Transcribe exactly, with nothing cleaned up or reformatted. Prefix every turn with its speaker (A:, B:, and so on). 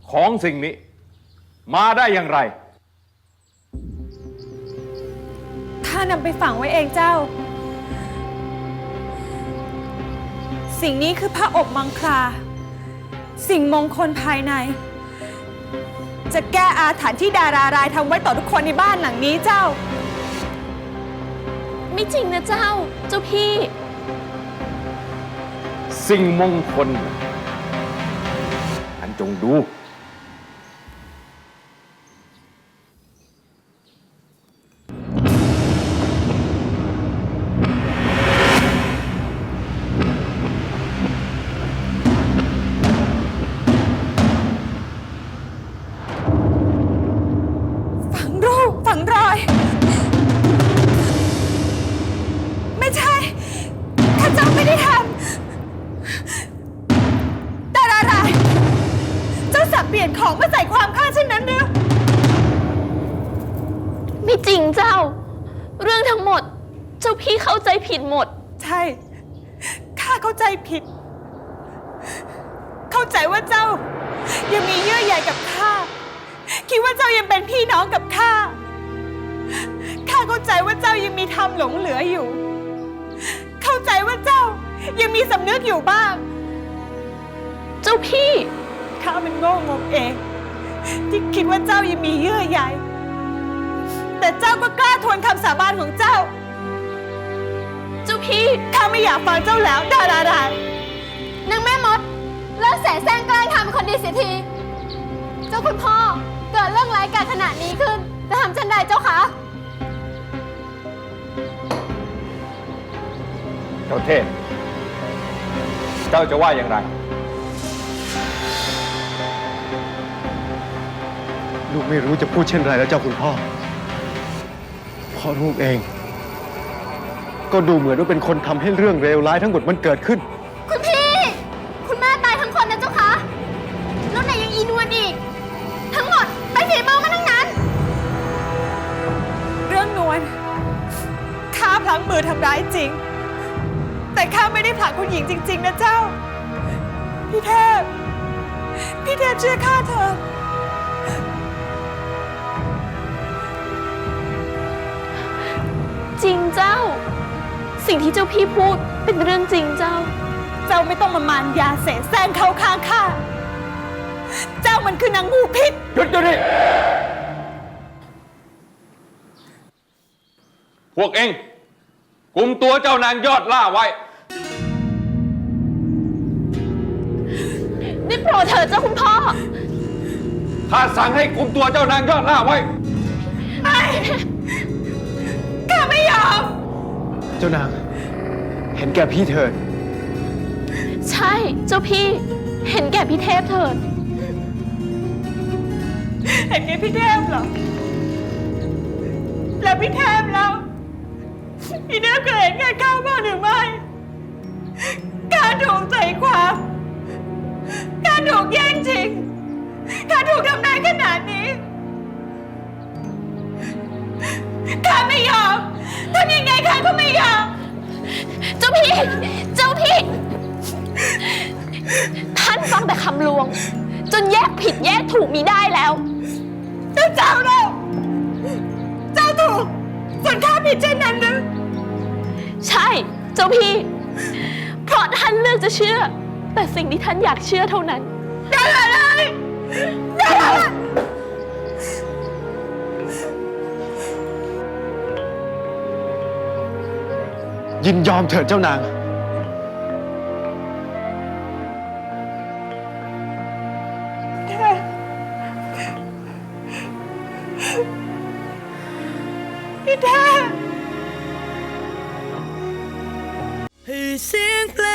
A: ของสิ่งนี้มาได้อย่างไร
B: ข้านำไปฝังไว้เองเจ้าสิ่งนี้คือพระอบมังคลาสิ่งมงคลภายในจะแก้อาถรรพ์ที่ดารารายทำไว้ต่อทุกคนในบ้านหลังนี้เจ้า
C: ไม่จริงนะเจ้าเจ้าพี่
A: สิ่งมงคลท่านจงดู
B: ฝังรูปฝังรอยไม่ใช่ข้าเจ้าไม่ได้ทำแต่อะไรเจ้าสับเปลี่ยนของมาใส่ความข้าเช่นนั้นหรือ
C: ไม่จริงเจ้าเรื่องทั้งหมดเจ้าพี่เข้าใจผิดหมด
B: ใช่ข้าเข้าใจผิดเข้าใจว่าเจ้ายังมีเยื่อใยกับข้าคิดว่าเจ้ายังเป็นพี่น้องกับข้าข้าเข้าใจว่าเจ้ายังมีธรรมหลงเหลืออยู่เข้าใจว่าเจ้ายังมีสำนึกอยู่บ้าง
C: เจ้าพี่
B: ข้ามันโง่งมเองที่คิดว่าเจ้ายังมีเยื่อใยแต่เจ้าก็กล้าทวนคำสาบานของเจ้า
C: เจ้าพี่
B: ข้าไม่อยากฟังเจ้าแล้วดาราด
D: นางแม่มดเลิกแสแสร้งแกล้งทำเป็นคนดีเสียทีเจ้าคุณพ่อเกิดเรื่องร้ายกาจขนาดนี้ขึ้นจะทำเช่นใดเจ้าคะ
A: เจ้าเทพเจ้าจะว่าอย่างไร
E: ลูกไม่รู้จะพูดเช่นไรแล้วเจ้าคุณพ่อเพราะลูกเองก็ดูเหมือนว่าเป็นคนทำให้เรื่องเลวร้ายทั้งหมดมันเกิดขึ้น
D: คุณพี่คุณแม่ตายทั้งคนนะเจ้าคะแล้วไหนยังอีนวลอีกทั้งหมดไปฝีมือมันทั้งนั้น
B: เรื่องนวลข้าพลั้งมือทำร้ายจริงแต่ข้าไม่ได้ผลักคุณหญิงจริงๆนะเจ้าพี่เทพพี่เทพเชื่อข้าเถอะ
C: จริงเจ้าสิ่งที่เจ้าพี่พูดเป็นเรื่องจริงเจ้า
B: เจ้าไม่ต้องมามานยาเสแสร้งเข้าข้างข้าเจ้ามันคือนางงูพิษ
A: หยุดเดี๋ยวนี้พวกเองกุมตัวเจ้านางยอดล่าไว้
C: ได้โปรดเถิดเจ้าคุณพ่อ
A: ข้าสั่งให้กุมตัวเจ้านางยอดล่าไว้
B: ไม่ข้าไม่ยอม
E: เจ้านางเห็นแก่พี่เถิด
C: ใช่เจ้าพี่เห็นแก่พี่เทพเถิด
B: เห็นแก่พี่เทพเหรอแล้วพี่เทพแล้วพี่เทพเคยเห็นแก่ข้าบ้างหรือไม่ข้าถูกใจความข้าถูกแย่งชิงข้าถูกทำร้ายขนาดนี้ข้าไม่ยอมทำยังไงข้าก็ไม่ยอม
C: เจ้าพี่เจ้าพี่ท่านฟังแต่คำลวงจนแยกผิดแยกถูกมีได้แล้ว
B: เจ้าเจ้าเราเจ้าถูกส่วนข้าผิดเช่นนั้นหรือ
C: ใช่เจ้าพี่เพราะท่านเลือกจะเชื่อแต่สิ่งที่ท่านอยากเชื่อเท่านั้น
B: ได้เลยได้เลย
E: ยินยอมเถิดเจ้านาง
B: พี่เทพให้เสียงเพล